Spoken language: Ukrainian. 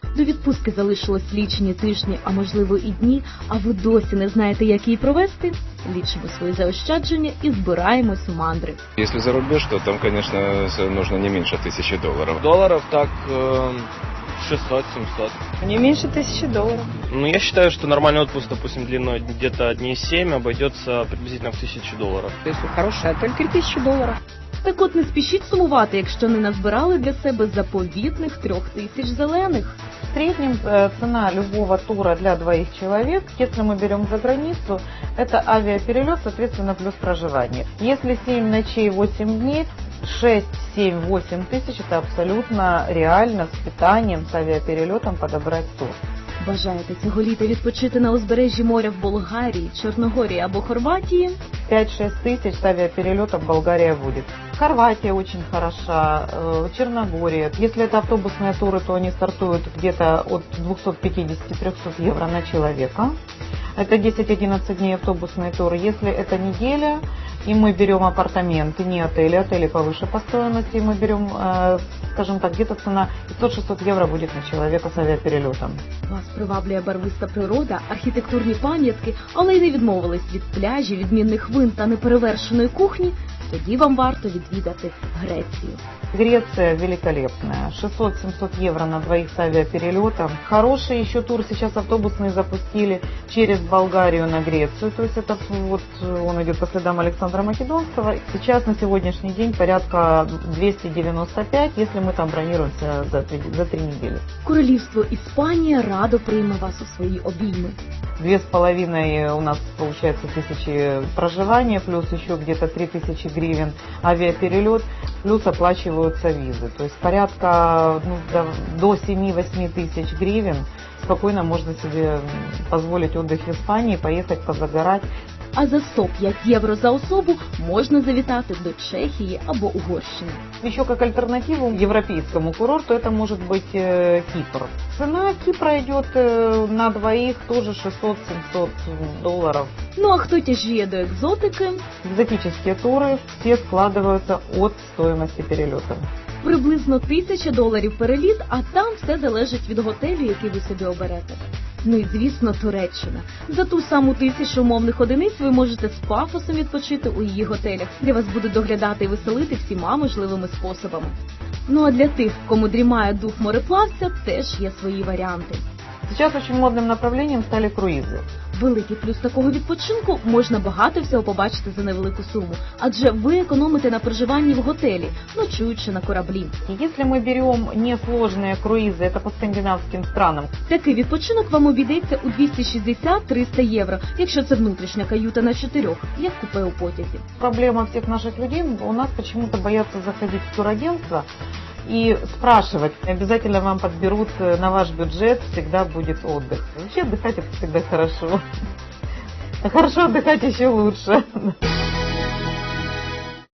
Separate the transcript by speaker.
Speaker 1: До відпустки залишилось лічені тижні, а можливо і дні, а ви досі не знаєте, як її провести? Лічимо свої заощадження і збираємось у мандри.
Speaker 2: Если за рубеж, то там, конечно, нужно не меньше $1000.
Speaker 3: Долларов так 600-700.
Speaker 4: Не меньше $1000.
Speaker 3: Ну, я считаю, что нормальный отпуск, допустим, длиной где-то дней 7 обойдется приблизительно в $1000.
Speaker 4: Если хороший отель, $3000.
Speaker 1: Так от не спішіть сумувати, якщо не назбирали для себе заповітних 3000 зелених.
Speaker 5: В среднем цена любого тура для двоих человек, если мы берем за границу, это авиаперелет, соответственно, плюс проживание. Если 7 ночей, 8 дней, 6, 7, 8 тысяч, это абсолютно реально с питанием, с авиаперелетом подобрать тур.
Speaker 1: Бажаєте цього літа відпочити на узбережжі моря в Болгарії, Чорногорії або Хорватії?
Speaker 5: 5-6 тысяч с авиаперелетом Болгария будет. Хорватия очень хороша, Черногория. Если это автобусные туры, то они стартуют где-то от 250-300 евро на человека. Это 10-11 дней автобусные туры. Если это неделя, и мы берем апартаменты, не отели, отели повыше по стоимости, мы берем, скажем так, где-то цена 500-600 евро будет на человека с авиаперелетом.
Speaker 1: Вас приваблює барвиста природа, архітектурні пам'ятки, але й не відмовились від пляжів, відмінних вин та неперевершеної кухні? Тоді вам варто відвідати Грецію.
Speaker 5: Греция великолепная. 600-700 евро на двоих с авиаперелетом. Хороший еще тур сейчас автобусный запустили через Болгарию на Грецию. То есть это вот он идет по следам Александра Македонского. Сейчас на сегодняшний день порядка 295, если мы там бронируемся за 3 недели.
Speaker 1: Королівство Іспанія радо прийме вас у свої обійми.
Speaker 5: 2,5 у нас получается тысячи проживания, плюс еще где-то 3000 гривен авиаперелет, плюс оплачиваются визы. То есть порядка до 7-8 тысяч гривен спокойно можно себе позволить отдых в Испании, поехать позагорать.
Speaker 1: А за 105 євро за особу можна завітати до Чехії або Угорщини.
Speaker 5: Еще как альтернативу европейскому курорту это может быть Кипр. Цена Кипра идет на двоих тоже $600-700.
Speaker 1: Ну а хто тяжіє до екзотики?
Speaker 5: Экзотические туры все складываются от стоимости перелета.
Speaker 1: Приблизно $1000 переліт, а там все залежить від готелю, який ви собі оберете. Ну і, звісно, Туреччина. За ту саму 1000 умовних одиниць ви можете з пафосом відпочити у її готелях, де вас будуть доглядати і веселити всіма можливими способами. Ну а для тих, кому дрімає дух мореплавця, теж є свої варіанти.
Speaker 5: Сейчас очень модным направлением стали круизы.
Speaker 1: Великий плюс такого відпочинку – можна багато всього побачити за невелику суму, адже ви економите на проживанні в готелі, ночуючи на кораблі.
Speaker 5: Если мы берем несложные круизы, это по скандинавским странам.
Speaker 1: Такий відпочинок вам обійдеться у 260-300 євро, якщо це внутрішня каюта на 4, як купе у потязі.
Speaker 5: Проблема всех наших людей, у нас почему-то боятся заходить в турагентство и спрашивать. Обязательно вам подберут на ваш бюджет, всегда будет отдых. Вообще отдыхать это всегда хорошо. А хорошо отдыхать еще лучше.